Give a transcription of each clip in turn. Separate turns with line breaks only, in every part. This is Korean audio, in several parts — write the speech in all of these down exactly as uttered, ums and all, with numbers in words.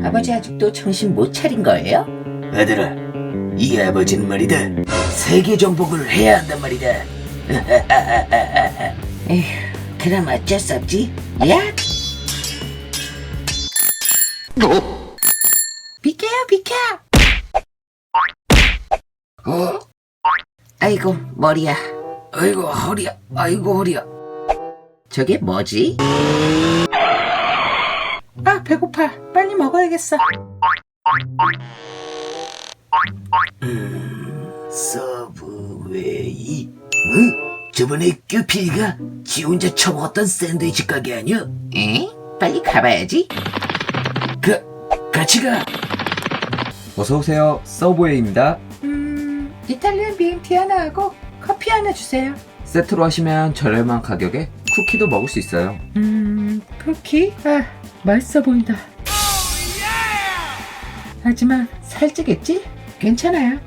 아버지 아직도 정신 못 차린 거예요?
아들아, 이 아버지는 말이다, 세계 정복을 해야 한단 말이다.
에휴, 그럼 어쩔 수 없지. 야! 비켜요, 비켜!
어?
아이고, 머리야.
아이고 허리야, 아이고 허리야.
저게 뭐지? 아, 배고파. 빨리 먹어야겠어.
음, 서브웨이? 응? 저번에 큐피가 지 혼자 처먹었던 샌드위치 가게 아니야?
에? 빨리 가봐야지.
가, 같이 가.
어서오세요. 서브웨이입니다.
음, 이탈리안 비엠티 하나 하고 커피 하나 주세요.
세트로 하시면 저렴한 가격에 쿠키도 먹을 수 있어요.
음, 쿠키? 아, 맛있어 보인다. 하지만 살찌겠지? 괜찮아요.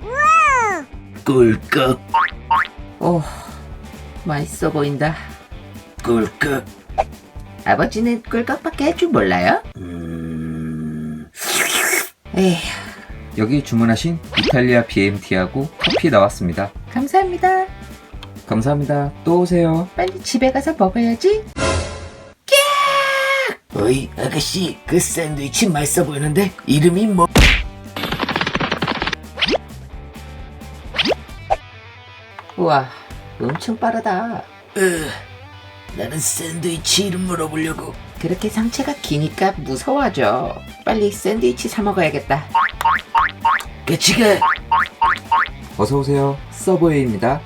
꿀꺽,
오, 맛있어 보인다.
꿀꺽.
아버지는 꿀꺽밖에 할 줄 몰라요?
음,
에휴,
여기 주문하신 이탈리아 비엠티하고 커피 나왔습니다.
감사합니다.
감사합니다. 또 오세요.
빨리 집에 가서 먹어야지.
어이 아가씨, 그 샌드위치 맛있어 보이는데 이름이 뭐?
우와, 엄청 빠르다.
으, 나는 샌드위치 이름 물어보려고.
그렇게 상체가 기니까 무서워하죠. 빨리 샌드위치 사 먹어야겠다.
같이 가.
어서오세요. 서브웨이입니다.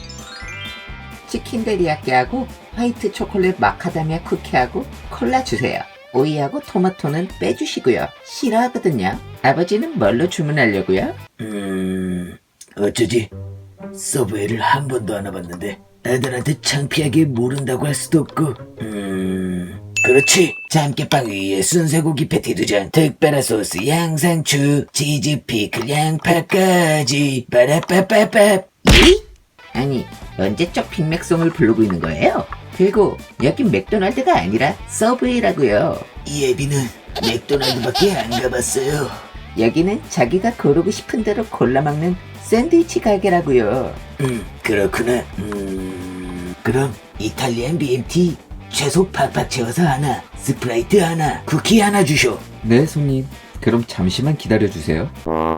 치킨 데리야끼하고 화이트 초콜릿 마카다미아 쿠키하고 콜라 주세요. 오이하고 토마토는 빼주시고요. 싫어하거든요. 아버지는 뭘로 주문하려고요?
음, 어쩌지? 서브웨이를 한 번도 안 와봤는데 애들한테 창피하게 모른다고 할 수도 없고. 음, 그렇지. 참깨빵 위에 순세고기 패티 두 장, 특별한 소스, 양상추, 치즈, 피클, 양파까지. 빠라빠빠빠.
이? 아니, 언제적 빅맥송을 부르고 있는 거예요? 그리고 여긴 맥도날드가 아니라 서브웨이라고요.
이 애비는 맥도날드밖에 안 가봤어요.
여기는 자기가 고르고 싶은 대로 골라 먹는 샌드위치 가게라고요.
음, 그렇구나. 음, 그럼 이탈리안 비엠티 채소 팍팍 채워서 하나, 스프라이트 하나, 쿠키 하나 주쇼.
네, 손님. 그럼 잠시만 기다려주세요.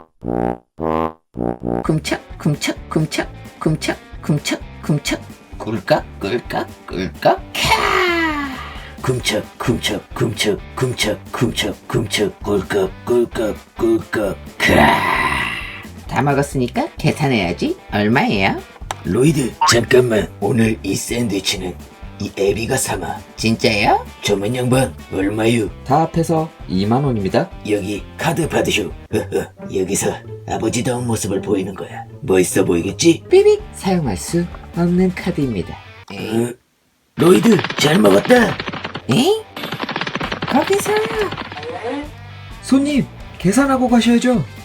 굼착 굼착 굼착 굼착 굼착 굼착 꿀꺽 꿀꺽 꿀꺽 캬.
굼착 굼착 굼착 굼착 굼착 굼착 꿀꺽 꿀꺽 꿀꺽. 크아.
다 먹었으니까 계산해야지. 얼마예요?
로이드, 잠깐만. 오늘 이 샌드위치는 이 애비가 삼아.
진짜요?
저만 양반 얼마유?
다 합해서 이만 원입니다.
여기 카드 받으쇼. 허허, 여기서 아버지다운 모습을 보이는 거야. 멋있어 보이겠지?
삐빅 사용할 수 없는 카드입니다. 에이,
어? 로이드, 잘 먹었다.
에이? 거기서
손님, 계산하고 가셔야죠.